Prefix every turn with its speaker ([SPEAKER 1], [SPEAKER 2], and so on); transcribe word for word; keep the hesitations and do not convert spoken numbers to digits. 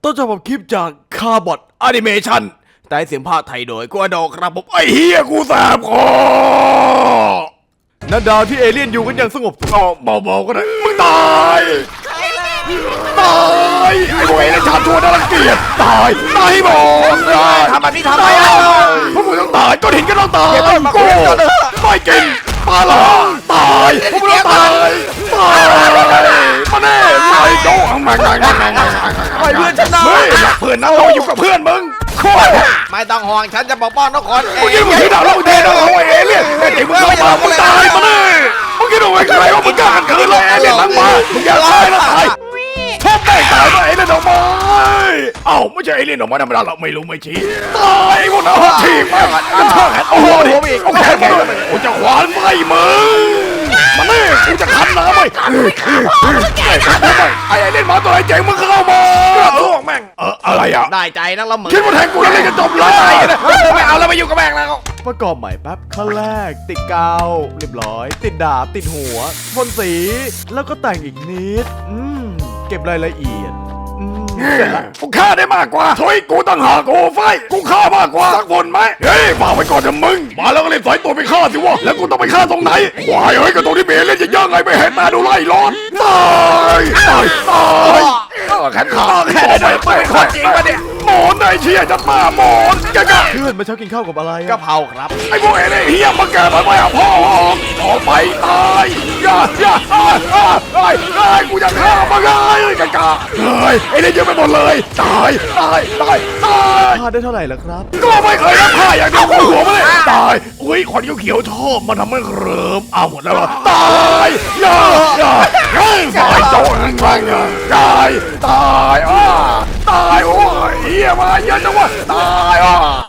[SPEAKER 1] ต้นฉบับคลิปจากคาร์บอทแอนิเมชันแต่เสียงภาคไทยโดยกัวดอกครับผมไอ้เฮียกูแสบคอนันดาวที่เอเลี่ยนอยู่กันอย่างสงบก็เบาๆก็ได้มึงตายตายไอ้พวกเอเลี่ยนชาติชั่วน่ารังเกียจตายตายหมดทำแบบนี้ทำไมอ่ะพวกมึงต้องตายก้อนหินก็ต้องตายกูไม่กินปลาละตายพวกมึงต้องตายตายมาแน่ตายโจ้งแม่งแม่งแม่งแม่งแม่งไอ้เพื่อนฉันนะเฮ้ยเพื่อนนะเราอยู่กับเพื่อนมึง
[SPEAKER 2] ไม่ต้องห่วงฉันจะปกป้องทุกคนเอ
[SPEAKER 1] มึง
[SPEAKER 2] ง
[SPEAKER 1] คิดว่าที่ดาวเราเทเราเอาเอเลี่ยนแต่เด็กมึงเข้ามามึงตายมาเลยมึงคิดว่าใครว่ามึงกล้ากันคืนเลยเอเลี่ยนทั้งมามึงอย่าตายนะตายชอบได้ตายมาเอเลี่ยนออกมาเอ้าไม่ใช่เอเลี่ยนออกมาธรรมดาเราไม่รู้ไม่ชี้ตายพวกนั้นทีมมันมันชอบแขนโอ้โหดิโอเคมาเลยกูจะขวานไฟมึงมาเลยกูจะขันน้ำไปไอ้เอเลี่ยนมาตัวไหนเจ๋งมึงเข้ามาพวกแม่งเอออะไรอ่ะ
[SPEAKER 2] ได้ใจนักละมึง
[SPEAKER 1] คิดว่าแทงกูแล้วเล่นจะจบเลย
[SPEAKER 2] ไม่เอาแล้วไม่อยู่กับแม่งแล้ว
[SPEAKER 1] ประกอบใหม่แป๊บขั้นแรกติดกาวเรียบร้อย ติดดาบติดหัวพ่นสีแล้วก็แต่งอีกนิดอืมเก็บรายละเอียดอืมเสร็จละกูฆ่าได้มากกว่าเฮ้ยกูตั้งหากูไฟกูฆ่ามากกว่าสักคนไหมเฮ้ยฝากไว้ก่อนนะมึงมาแล้วก็รีบสอยตัวไปฆ่าสิวะแล้วกูต้องไปฆ่าตรงไหนวายเฮ้ยก็ตรงที่เบลเล่นจะย่างไงไม่เห็นมาดูไล่ร้อนตายตายตายแขนขาแขนไม่เป็นคนจริงปะเนี่ยหมอนไอ้เชี่ยจัดมาหมอนแกกะเพื่อนมาเช้ากินข้าวกับอะไร
[SPEAKER 2] กะเพราครับ
[SPEAKER 1] ไอ้พวกเอเลี่ยนเฮียมาแกมาไม่เอาพ่อออกออกไปตายอย่าอย่าอ้ายอ้ายอ้ายอ้ายกูจะฆ่ามึงเลยกะกะเฮ้ยเอเลี่ยนเยอะไปหมดเลยตายตายตายตายพลาดได้เท่าไหร่ล่ะครับก็ไม่เคยรับผ้าอย่างเดียวกูหัวมาเลยตายอุ้ยขวัญเขียวๆชอบมันทำให้เคลิ้มเอาหมดแล้วเหรอตายอย่าอย่าเฮ้ยตายโจ้นั่นบ้างเนี่ยตายตายอ้าตายโอ้ยเฮียมาเยอะจังวะตายอ่ะ